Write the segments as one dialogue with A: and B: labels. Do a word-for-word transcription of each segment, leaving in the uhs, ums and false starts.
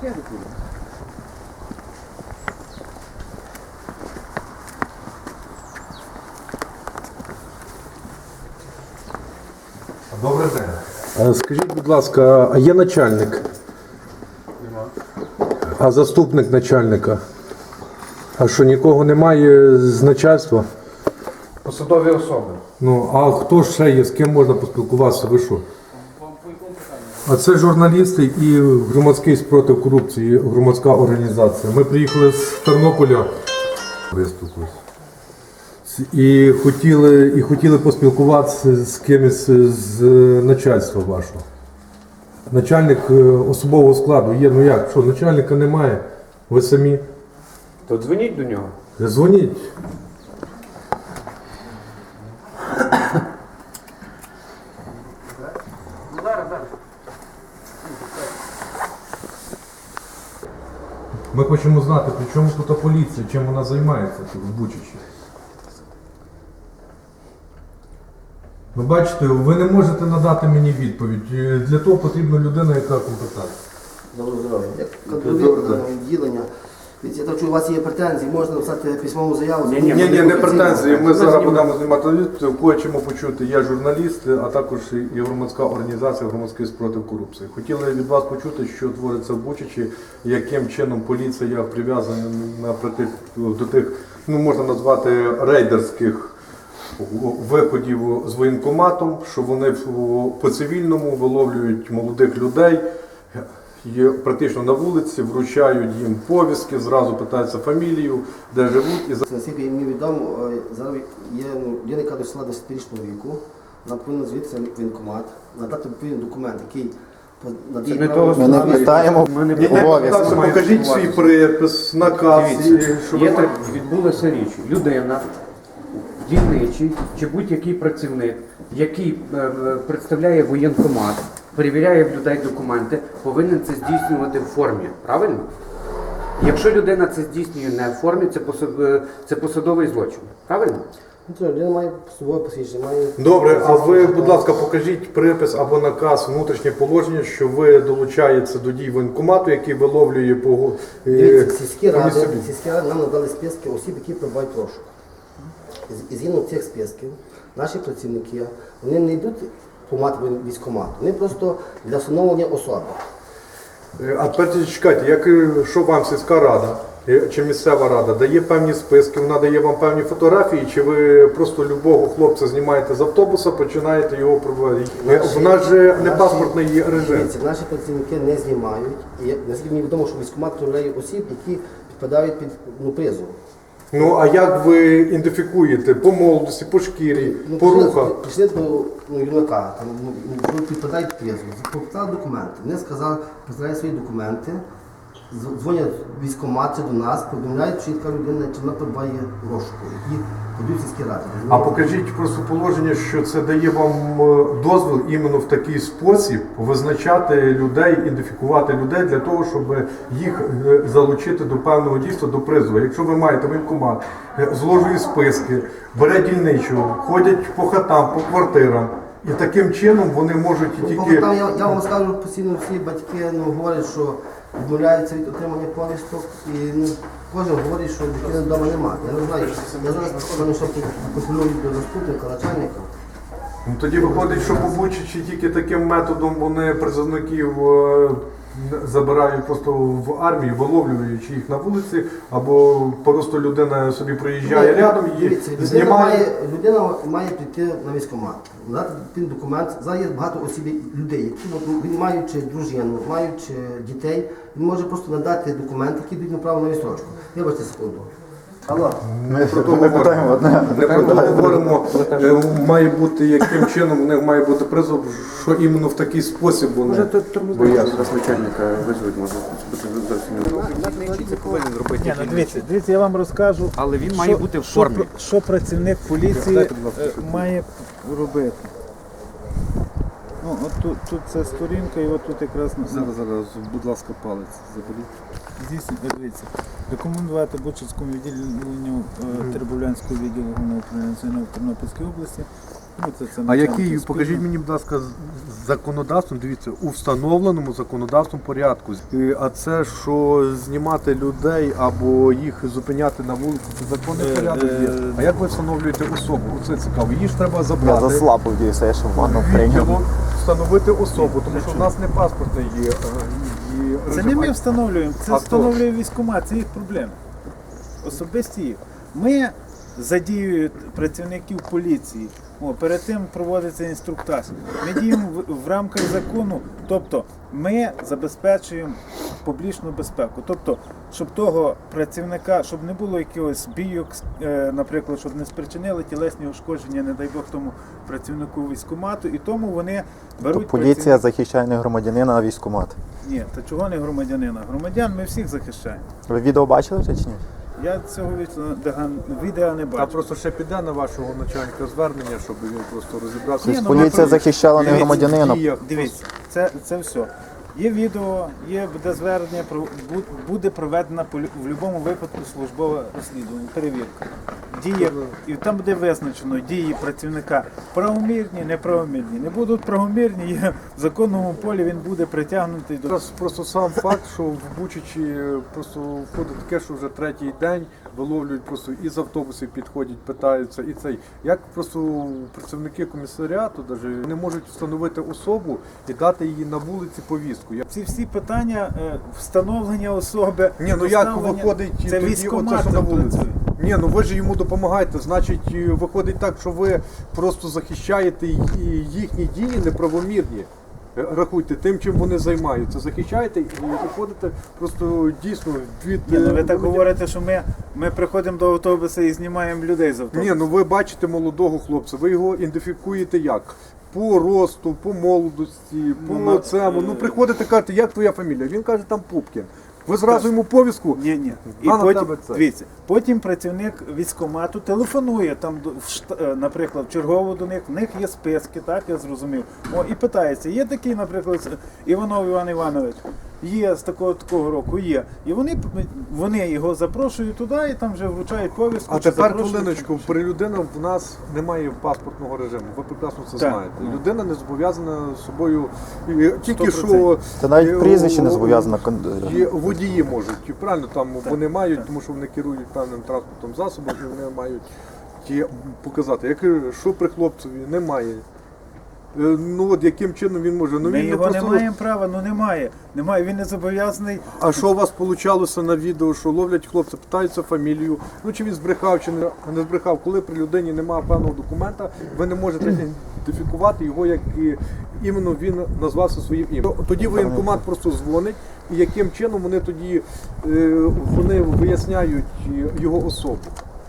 A: я не буду.
B: Добрий день. Скажіть, будь ласка, а є начальник?
A: Нема.
B: А заступник начальника? А що, нікого немає з начальства?
A: Посадові особи.
B: Ну, а хто ще є, з ким можна поспілкуватися? Ви що? А це журналісти і громадський спротив корупції, громадська організація. Ми приїхали з Тернополя. Виступили. І хотіли, і хотіли поспілкуватися з кимось з начальства вашого. Начальник особового складу є, ну як, що, начальника немає, ви самі.
A: То дзвоніть до нього.
B: Дзвоніть. Ми хочемо знати, при чому тут поліція, чим вона займається тут в Бучачі. Ви бачите, ви не можете надати мені відповідь. Для того потрібна людина, яка компетентна.
C: Доброго здоров'я. Як контролювати відділення. Я так чую, у вас є претензії, можна написати письмову заяву.
B: Ні, ні, не претензії. Ми зараз будемо знімати відео, хочемо почути, я журналіст, а також і громадська організація «Громадський спротив корупції». Хотіли від вас почути, що твориться в Бучачі, яким чином поліція прив'язана наприклад, до тих, ну можна назвати, рейдерських виходів з воєнкоматом, що вони по цивільному виловлюють молодих людей, є практично на вулиці, вручають їм повістки, зразу питаються фамілію, де живуть. І...
C: Наскільки мені відомо, зараз є людина, яка досягла десятирічного віку, вона повинна звідси в воєнкомат, надати відповідний документ, який надає право...
D: Ми не питаємо обов'язки.
B: Покажіть свій припис, наказ.
A: Дивіться, є так, відбулася річ. Людина, дільничий чи будь-який працівник, який е, представляє воєнкомат, перевіряє в людей документи, повинен це здійснювати в формі. Правильно? Якщо людина це здійснює не в формі, це, посад... це посадовий злочин. Правильно?
C: Ну, це людина має собою посвідчення, має...
B: Добре, а ви, будь ласка, покажіть припис або наказ, внутрішнє положення, що ви долучаєтеся до дій воєнкомату, який виловлює по...
C: Дивіться, сільські ради, сільські ради нам надали списки осіб, які перебувають в розшуку. І згідно цих списків, наші працівники, вони не йдуть по мати військкомату, вони просто для встановлення особи.
B: А тепер чекайте, як, що вам сільська рада чи місцева рада дає певні списки, вона дає вам певні фотографії, чи ви просто любого хлопця знімаєте з автобуса, починаєте його проводити? У нас же не паспортний режим.
C: Дивіться, наші працівники не знімають, і наскільки мені відомо, що військкомат перевіряє осіб, які підпадають під ну, призов.
B: Ну, а як ви ідентифікуєте? По молодості, по шкірі,
C: ну,
B: по рухах?
C: Прийшли до ну, юнака, там, ну, підпадають під призов, попитали документи. Вони сказали, представляють свої документи, дзвонять військкомат до нас, повідомляють, що є така людина, чи вона перебуває в розшуку, які подають сільські ради.
B: А покажіть просто положення, що це дає вам дозвіл іменно в такий спосіб визначати людей, ідентифікувати людей для того, щоб їх залучити до певного дійства, до призову. Якщо ви маєте воєнкомат, зложує списки, бере дільничого, ходять по хатам, по квартирам, і таким чином вони можуть і тільки...
C: Я, я вам скажу, постійно всі батьки ну, говорять, що відмовляються від отримання повісток, і ну, кожен говорить, що дитини вдома немає. Я не знаю, я зараз приходжу, що пропонують до заступника, начальника.
B: Ну, тоді виходить, що по Бучачі тільки таким методом вони призовників е, забирають просто в армію, виловлюючи їх на вулиці, або просто людина собі приїжджає ну, рядом і
C: дивіться,
B: знімає.
C: Людина має, людина має прийти на військкомат, надати він документ. Зараз є багато осіб, людей, які от, він маючи дружину, маючи дітей, він може просто надати документи, які дають право на відстрочку. Вибачте секунду.
D: Алло. Ми про то питаємо одне.
B: Не про то говоримо, має бути яким чином, у них має бути призов, що іменно в такий спосіб вони бояться.
A: Зараз начальника визвуть, може бути зовсім не це повинен робити.
E: Ні, ну, дивіться, дивіться, я вам розкажу,
A: Але він
E: що,
A: має бути в формі.
E: Що, що працівник поліції е, має робити. Ну, от тут, тут це сторінка, і от тут якраз...
F: Зараз, зараз, будь ласка, палець заберіть.
E: Здійснюйте, дивіться. Рекомендувати Бучацькому відділенню е, Теребовлянського відділу Головного управління Національної в Тернопільській області. Ну, це, це
B: А
E: начальник
B: який,
E: спільно.
B: покажіть мені, будь ласка, законодавством, дивіться, у встановленому законодавством порядку. І- А це, що знімати людей або їх зупиняти на вулиці, це законний
E: Е,
B: порядок є.
E: е,
B: А як ви встановлюєте особу? Оце цікаво. Її ж треба
D: Я
B: забрати.
D: заслабив дійсно, я ще в ванну
B: відділу,
D: прийняв.
B: встановити особу, тому що в нас не паспортний є. е, і
E: Це
B: режим.
E: не ми встановлюємо, це
B: А хто?
E: встановлює військкомат, це їх проблеми. Особисті їх. Ми задіюємо працівників поліції. О, перед тим проводиться інструктаж. Ми діємо в, в рамках закону, тобто ми забезпечуємо публічну безпеку. Тобто, щоб того працівника, щоб не було якихось бійок, е, наприклад, щоб не спричинили тілесні ушкодження, не дай Бог тому працівнику військкомату, і тому вони беруть
D: Поліція
E: працівника-
D: захищає не громадянина, а військкомат.
E: Ні, та чого не громадянина? Громадян ми всіх захищаємо.
D: Ви відео бачили чи ні?
E: Я цього відео- відео не
B: А
E: бачу.
B: просто ще піде на вашого начальника звернення, щоб він просто розібрався.
E: Ні,
B: в
E: ну,
D: Поліція
E: ми-
D: захищала не
E: Дивіться,
D: громадянина.
B: діях.
E: Дивіться, це, це все. Є відео, є буде звернення, про- бу- буде проведена по лю- в будь-якому випадку службове розслідування, перевірка. Дії, і там буде визначено дії працівника правомірні, неправомірні. Не будуть правомірні, є в законному полі він буде притягнутий до.
B: Зараз просто сам факт, що в Бучачі просто входить таке, що вже третій день виловлюють просто із автобусів підходять, питаються і цей. Як просто працівники комісаріату навіть не можуть встановити особу і дати її на вулиці повістку. Я-
E: Ці всі питання е, встановлення особи.
B: Ні, ну як
E: доставлення-
B: виходить
E: це
B: тоді оце,
E: військкомат
B: що на
E: там
B: вулиці?
E: працює.
B: Ні, ну ви ж йому допомагаєте, значить е, виходить так, що ви просто захищаєте й- і їхні дії неправомірні. Е, Рахуйте, тим, чим вони займаються, захищаєте і виходите просто дійсно від...
E: Ні, ну ви
B: е,
E: так
B: громадян.
E: говорите, що ми, ми приходимо до автобуса і знімаємо людей з автобуса.
B: Ні, ну ви бачите молодого хлопця, ви його ідентифікуєте як? По росту, по молодості, по
E: Ну, на-
B: цьому. Ну
E: е,
B: приходите, кажете, як твоя фамілія? Він каже, там Пупкін. Ви зразу йому повістку.
E: Ні, ні. І
B: А на
E: потім,
B: тебе це?
E: дивіться, потім працівник військкомату телефонує там, до- в шта- е, наприклад, в чергову до них, в них є списки, так я зрозумів. О, і питається, є такий, наприклад, Іванов Іван Іванович, є з такого такого року, є. І вони, вони його запрошують туди і там вже вручають повістку.
B: А
E: чи
B: тепер
E: запрошують.
B: хвилиночку, при людина в нас немає паспортного режиму. Ви прекрасно це
E: Так,
B: знаєте.
E: ну.
B: Людина не зобов'язана собою і тільки
E: Сто
B: що.
D: Це навіть
B: е,
D: прізвище не
B: о,
D: зобов'язано.
B: Є водії можуть, і правильно там вони мають, тому що вони керують певним транспортом засобом, і вони мають ті показати. Як е, що при хлопцеві немає. Е, Ну от яким чином він може? Ну
E: Ми
B: він не
E: його
B: просто.
E: не маємо права, ну немає. Немає, він не зобов'язаний.
B: А що у вас получалося на відео, що ловлять хлопця, питаються фамілію, ну чи він збрехав, чи не, не збрехав. Коли при людині немає певного документа, ви не можете ідентифікувати його, як і, іменно він назвався своїм ім'ям. Тоді воєнкомат просто дзвонить, і яким чином вони тоді е, вони виясняють його особу.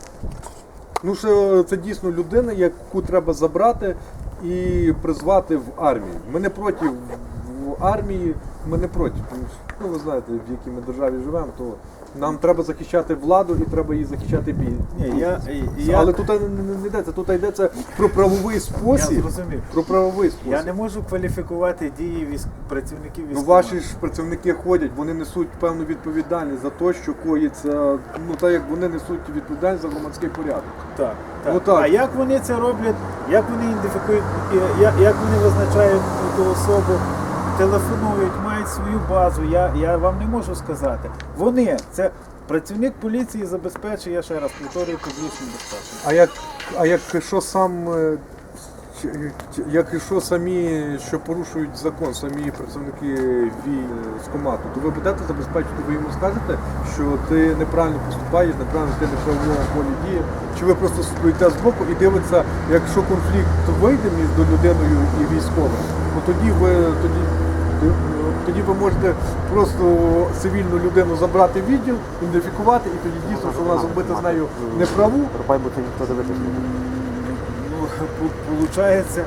B: Ну що це дійсно людина, яку треба забрати і призвати в армію. Ми не проти в армії, ми не проти. Тому що, ну ви знаєте, в якій ми державі живемо, то нам треба захищати владу і треба її захищати бій.
E: Ні, я, я,
B: Але тут не, не, не йдеться, тут йдеться про правовий
E: я
B: спосіб.
E: зрозумів.
B: Про правовий спосіб.
E: Я не можу кваліфікувати дії військ... працівників
B: Ну,
E: військкомату.
B: ваші ж працівники ходять, вони несуть певну відповідальність за те, що коїться, ну так як вони несуть відповідальність за громадський порядок.
E: Так, так.
B: Ну, так.
E: А як вони це роблять, як вони ідентифікують, і як, як вони визначають ту особу, телефонують, мають свою базу, я, я вам не можу сказати. Вони, це працівник поліції забезпечує, я ще раз повторюю, публічну безпеку.
B: А як, а як що сам, е, чи- чи- як і що самі, що порушують закон, самі працівники військкомату, то ви будете забезпечити, ви йому скажете, що ти неправильно поступаєш, неправильно ти не в правовому полі діє, чи ви просто стоїте збоку і дивитеся, якщо конфлікт вийде між людиною і військовим, то тоді ви тоді. Тоді ви можете просто цивільну людину забрати в відділ, ідентифікувати, і тоді дійсно, що вона зробити з нею неправу.
D: Пропай, бо ти ніхто дивитися.
E: Ну, получається,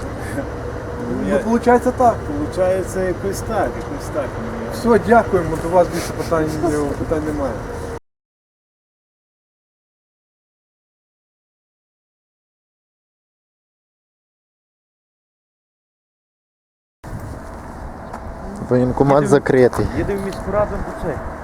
B: Ну, виходить так.
E: получається якось так, якось так.
B: Все, дякуємо, до вас більше питань, питань немає.
D: Воєнкомат закритий.
A: Їдемо в міську раду, бо це.